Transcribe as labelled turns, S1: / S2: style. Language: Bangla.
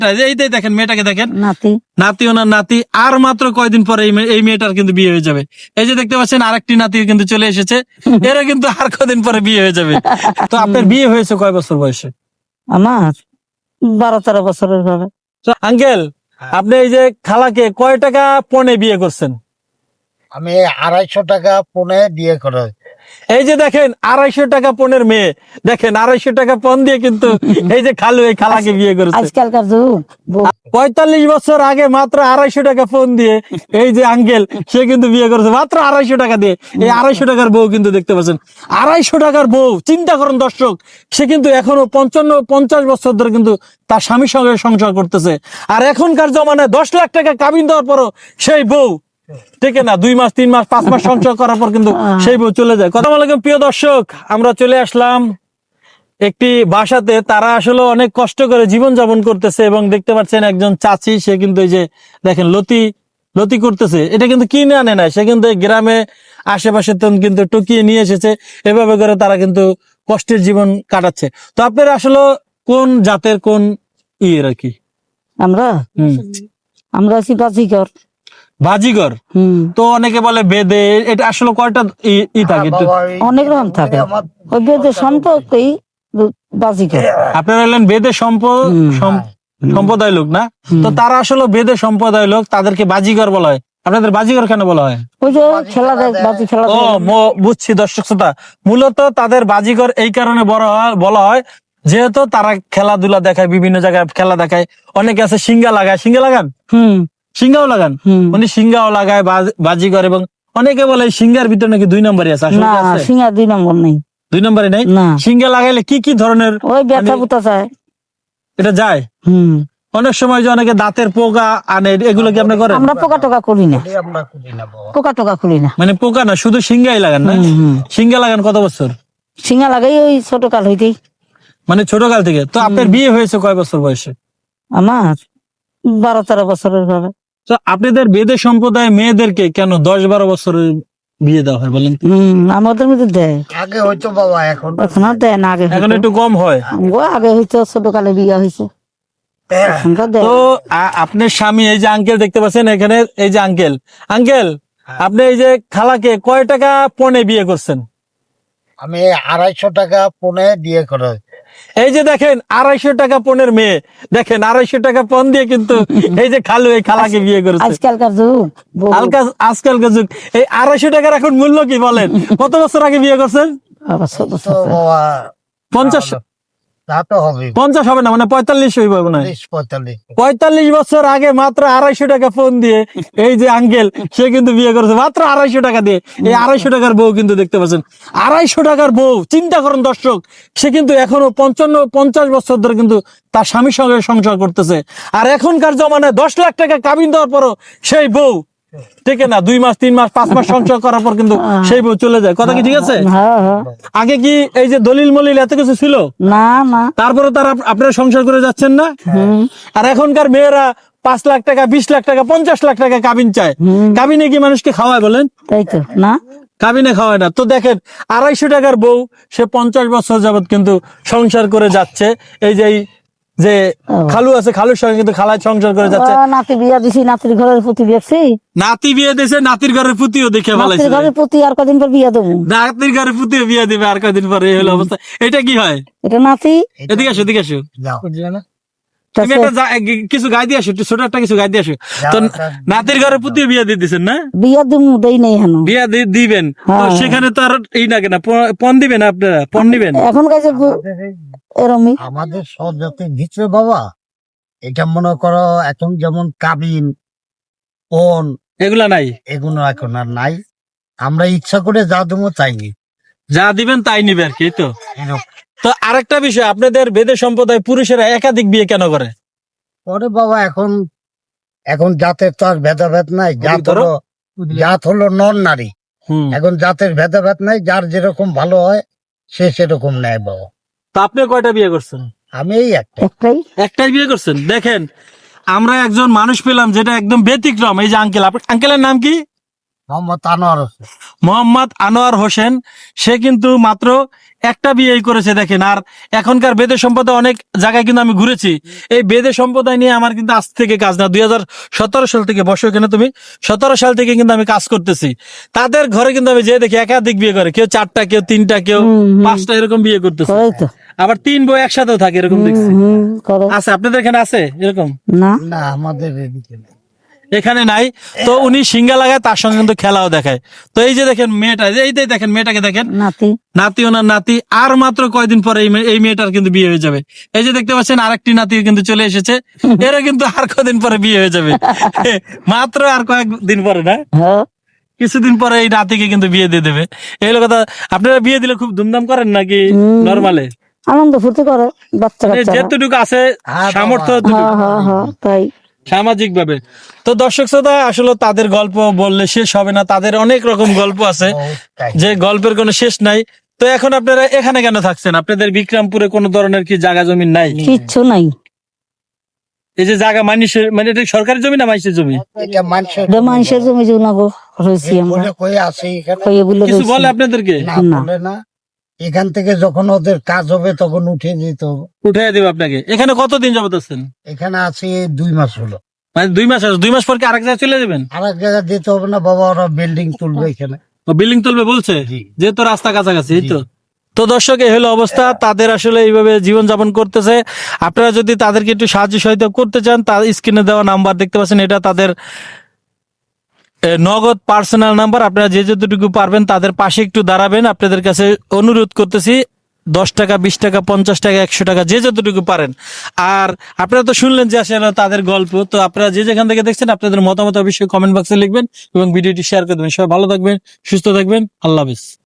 S1: এইটাই দেখেন, মেয়েটাকে দেখেন,
S2: নাতি
S1: নাতি, ওনার নাতি। আর মাত্র কয়দিন পরে এই মেয়েটার কিন্তু বিয়ে হয়ে যাবে। এই যে দেখতে পাচ্ছেন আরেকটি নাতি কিন্তু চলে এসেছে, এরা কিন্তু আর কদিন পরে বিয়ে হয়ে যাবে। তো আপনার বিয়ে হয়েছে কয় বছর বয়সে?
S2: আমার 12-13 বছরের হবে।
S1: তো আঙ্কেল, আপনি এই যে খালাকে কয় টাকা পণে বিয়ে করছেন?
S3: আমি 250 টাকা পণে বিয়ে করা।
S1: এই যে দেখেন 250 টাকা পণের মেয়ে, দেখেন 250 টাকা পণ দিয়ে কিন্তু এই যে খালু এই খালাকে বিয়ে করেছে।
S2: আজকালকার যুগ
S1: 45 বছর আগে মাত্র 250 টাকা ফোন দিয়ে এই যে আঙ্কেল সে কিন্তু বিয়ে করেছে মাত্র 250 টাকা দিয়ে। এই 250 টাকার বউ কিন্তু দেখতে পাচ্ছেন, 250 টাকার বউ। চিন্তা করেন দর্শক, সে কিন্তু এখনো 55-50 বছর ধরে কিন্তু তার স্বামীর সঙ্গে সংসার করতেছে। আর এখনকার জমানায় 10 লাখ টাকা কাবিন দেওয়ার পরও সেই বউ ঠিক না 2 মাস 3 মাস 5 মাস সংসার করার পর কিন্তু সেই বউ চলে যায়। কথা বলে প্রিয় দর্শক, আমরা চলে আসলাম একটি বাসাতে। তারা আসলে অনেক কষ্ট করে জীবন যাপন করতেছে এবং দেখতে পাচ্ছেন একজন চাচি, সে কিন্তু এই যে দেখেন লতি করতেছে। এটা কিন্তু কিনে আনে না, সে কিন্তু গ্রামে আশেপাশে কিন্তু টুকিয়ে নিয়ে এসেছে। এভাবে করে তারা কিন্তু কষ্টের জীবন কাটাচ্ছে। তো আপনারা আসলে কোন জাতের, কোন ইয়ের আর কি?
S2: আমরা আছি বাজিকর।
S1: বাজিগর। তো অনেকে বলে বেদে, এটা আসলে কয়টা ই থাকে?
S2: অনেক রকম থাকে, ওই বেদের সম্পর্কেই বাজিকর।
S1: আপনারা হলেন বেদে সম্প্রদায় লোক না? তো তারা আসলে বেদে সম্প্রদায় লোক, তাদেরকে বাজিগর বলা হয়। আপনাদের বাজিগর কেন বলা হয়?
S2: ওই যে খেলা দেয়, বাজি খেলা।
S1: ও বুঝছি দর্শক শ্রোতা, মূলত তাদের বাজিগর এই কারণে বলা হয় যেহেতু তারা খেলাধুলা দেখায়, বিভিন্ন জায়গায় খেলা দেখায়। অনেকে আছে সিঙ্গা লাগায়, সিঙ্গা লাগান, সিঙ্গাও লাগান, উনি সিঙ্গাও লাগায় বাজিগর। এবং অনেকে বলে সিঙ্গার ভিতরে নাকি 2 নম্বরই আছে।
S2: না, সিঙ্গা 2 নম্বর নেই।
S1: 2 নম্বরই নেই? সিঙ্গা লাগাইলে কি কি ধরনের
S2: ওই ব্যথা বুতা যায়,
S1: এটা যায়? অনেক সময় যে অনেকে দাঁতের পোকা আনে, এগুলো কি আপনি করেন?
S2: আমরা পোকা টোকা করি না, পোকা টোকা করি না।
S1: মানে পোকা না, শুধু সিঙ্গাই লাগান না? সিঙ্গা লাগান কত বছর?
S2: সিঙ্গা লাগাই ওই ছোট কাল হইতেই,
S1: মানে ছোট কাল থেকে। তো আপনার বিয়ে হয়েছে কয় বছর বয়সে?
S2: আমার 12-13 বছরের হবে।
S1: তো আপনাদের বেদে সম্প্রদায় মেয়েদেরকে কেন 10-12 বছরের বিয়ে দেওয়া হয় বলেন?
S2: আমাদের মধ্যে দেয়,
S3: আগে হয়তো বাবা, এখন
S2: আর দেয় না। আগে
S1: এখন একটু কম হয়।
S2: আগে হইতো ছোট কালে বিয়ে হয়েছে।
S1: তো আপনার স্বামী, এই যে আঙ্কেল দেখতে পাচ্ছেন এখানে, এই যে আঙ্কেল, আপনি এই যে খালাকে কয় টাকা পণে বিয়ে করছেন?
S3: আমি 250 টাকা পণে বিয়ে করা।
S1: এই যে দেখেন 250 টাকা পণের মেয়ে, দেখেন 250 টাকা পণ দিয়ে কিন্তু এই যে খালু এই খালাকে বিয়ে করেছে।
S2: আজকালকার যুগ,
S1: আজকালকার যুগ। এই 250 টাকার এখন মূল্য কি বলেন? কত বছর আগে বিয়ে করছেন? 50 হবে না, মানে 45 হইব না, 45 বছর আগে মাত্র 250 টাকা ফোন দিয়ে এই যে আঙ্কেল সে কিন্তু বিয়ে করেছে মাত্র 250 টাকা দিয়ে। এই 250 টাকার বউ কিন্তু দেখতে পাচ্ছেন, 250 টাকার বউ। চিন্তা করেন দর্শক, সে কিন্তু এখনো 55-50 বছর ধরে কিন্তু তার স্বামীর সঙ্গে সংসার করতেছে। আর এখনকার জমানায় 10 লাখ টাকা কাবিন দেওয়ার পরও সেই বউ ঠিক না 2 মাস 3 মাস 5 মাস সংসার করার পর কিন্তু সেই বউ চলে যায়। কথা কি ঠিক আছে? আগে কি এই যে দলিল মলিল এত কিছু ছিল
S2: না? না,
S1: তারপরে তারা আপনারা সংসার করে যাচ্ছেন না? আর এখনকার মেয়েরা 5 লাখ টাকা 20 লাখ টাকা 50 লাখ টাকা কাবিন চায়। কাবিনে কি মানুষকে খাওয়ায় বলেন?
S2: তাই তো না,
S1: কাবিনে খাওয়ায় না। তো দেখেন 250 টাকার বউ, সে 50 বছর যাবত কিন্তু সংসার করে যাচ্ছে। এই যে খালু আছে, খালুর সঙ্গে কিন্তু খালায় সংসার করে যাচ্ছে।
S2: নাতি বিয়া দিছি, নাতির ঘরের পুতি দেখছি,
S1: নাতি বিয়ে দিয়েছে, নাতির ঘরের পুতিও দেখে ফেলাইছে।
S2: ঘরের পুতি আর কদিন পর বিয়া দেবো,
S1: নাতির ঘরের পুতিও বিয়ে দিবে আর কদিন পরে। এই হলো অবস্থা। এটা কি হয়?
S2: এটা নাতি।
S1: এদিকে আসো, এদিকে আসো। তুমি একটা কিছু গাই দিয়ে আসো, ছোট একটা কিছু গাই দিয়ে আসো। তো নাতির ঘরে পুতিও বিয়ে দিয়ে দিচ্ছেন না?
S2: বিয়া দিব দেই নাই হেন,
S1: বিয়া দিবেন তো সেখানে তো আর এই না কেনা পণ দিবেন, আপনারা পণ নিবেন
S2: এখন কাছে এরমই।
S3: আমাদের সব জাতি দিচ্ছে বাবা। এটা মনে করো এখন যেমন কাবিন পণ
S1: এগুলা নাই,
S3: এগুলো এখন আর নাই। আমরা ইচ্ছা করে যা দেবো চাইনি,
S1: যা দিবেন তাই নিবে আর কি। তো তো আরেকটা বিষয়, আপনাদের বেদে সম্প্রদায় পুরুষেরা একাধিক বিয়ে কেন করে?
S3: পরে বাবা এখন জাতের তো আর ভেদাভেদ নাই। জাত হলো নর নারী। এখন জাতের ভেদাভেদ নাই, যার যেরকম ভালো হয় সে সেরকম নেয় বাবা।
S1: তো আপনি কয়টা বিয়ে করছেন?
S3: আমি এই
S1: একটাই বিয়ে করছেন। দেখেন আমরা একজন মানুষ পেলাম যেটা একদম ব্যতিক্রম। এই যে আঙ্কেলের নাম কি?
S3: মোহাম্মদ আনোয়ার হোসেন।
S1: মোহাম্মদ আনোয়ার হোসেন, সে কিন্তু মাত্র একটা বিয়েই করেছে দেখেন। আর এখনকার বেদে সম্প্রদায় অনেক জায়গায় কিন্তু আমি ঘুরেছি, এই বেদে সম্প্রদায় নিয়ে আমার কিন্তু আজ থেকে কাজ না, 2017 সাল থেকে, বসো এখানে তুমি, 17 সাল থেকে কিন্তু আমি কাজ করতেছি। তাদের ঘরে কিন্তু আমি যে দেখি একাধিক বিয়ে করে, কেউ 4টা, কেউ 3টা, কেউ 5টা এরকম বিয়ে করতেছে।
S2: করে তো।
S1: আবার 3 বউ একসাথেও থাকে এরকম দেখছি।
S2: করে
S1: আছে আপনাদের এখানে আছে এরকম?
S2: না,
S3: না, আমাদের এদিকে নেই।
S1: এখানে নাই। তো উনি সিঙ্গা লাগায়, তার সঙ্গে কিন্তু খেলাও দেখায়। তো এই যে দেখেন মেয়েটা, এইটাই দেখেন মেয়েটাকে দেখেন,
S2: নাতি
S1: নাতি, ওনার নাতি। আর মাত্র কয়দিন পরে এই মেয়েটার কিন্তু বিয়ে হয়ে যাবে। এই যে দেখতে পাচ্ছেন আরেকটি নাতি কিন্তু চলে এসেছে, এরা কিন্তু আর কদিন পরে বিয়ে হয়ে যাবে। মাত্র আর কয়েকদিন পরে না,
S2: হ্যাঁ,
S1: কিছুদিন পরে এই নাতিকে কিন্তু বিয়ে দিয়ে দেবে। এই হলো কথা। আপনারা বিয়ে দিলে খুব ধুমধাম করেন নাকি নরমালে?
S2: আনন্দ ফুর্তি করে বাচ্চা কাচ্চারা।
S1: যেতটুকু আছে
S3: হ্যাঁ,
S1: সামর্থ্য,
S2: হ্যাঁ হ্যাঁ হ্যাঁ, তাই।
S1: সামাজিক ভাবে। তো দর্শক শ্রোতা, আসলে তাদের গল্প বললে শেষ হবে না, তাদের অনেক রকম গল্প আছে,
S3: তাই।
S1: যে গল্পের কোনো শেষ নাই। তো এখন আপনারা এখানে কেন থাকছেন? আপনাদের বিক্রমপুরে কোনো ধরনের কি জায়গা জমি নাই?
S2: কিচ্ছু নাই,
S1: এই যে জায়গা মানুষের, মানে এটা সরকারি জমি না মানুষের জমি?
S3: এটা মানুষের
S2: এটা মানুষের জমি জুনাগো রয়েছি আমরা,
S3: বলে কই আছে এখানে?
S2: কইয়ে বলে
S1: কিছু
S2: রয়েছি।
S1: বলে আপনাদেরকে?
S3: না,
S2: না।
S3: বলে না। এখান থেকে যখন ওদের কাজ হবে তখন উঠে দিত।
S1: উঠাই দেবে আপনাকে। এখানে কতদিন যাবত আছেন?
S3: এখানে আছে 2 মাস হলো।
S1: মানে 2 মাস আছে, 2 মাস পর কি আরেক জায়গায় চলে যাবেন?
S3: আর এক জায়গায় দিতে হবে না বাবা, ওরা বিল্ডিং তুলবে এখানে।
S1: বিল্ডিং তুলবে বলছে,
S3: জি।
S1: যেহেতু রাস্তা কাছাকাছি, এই তো।
S3: জি।
S1: তো দর্শক, এই হলো অবস্থা, তাদের আসলে এইভাবে জীবন যাপন করতেছে। আপনারা যদি তাদেরকে একটু সাহায্য সহায়তা করতে চান, তার স্ক্রিনে দেওয়া নাম্বার দেখতে পাচ্ছেন, এটা তাদের নগদ পার্সোনাল নাম্বার। আপনারা যে যতটুকু পারবেন তাদের পাশে একটু দাঁড়াবেন, আপনাদের কাছে অনুরোধ করতেছি। 10 টাকা, 20 টাকা, 50 টাকা, 100 টাকা, যে যতটুকু পারেন। আর আপনারা তো শুনলেন যে আসলে তাদের গল্প। তো আপনারা যে যেখান থেকে দেখছেন, আপনাদের মতামত অবশ্যই কমেন্ট বক্সে লিখবেন এবং ভিডিওটি শেয়ার করে দেবেন। সবাই ভালো থাকবেন, সুস্থ থাকবেন, আল্লাহ হাফেজ।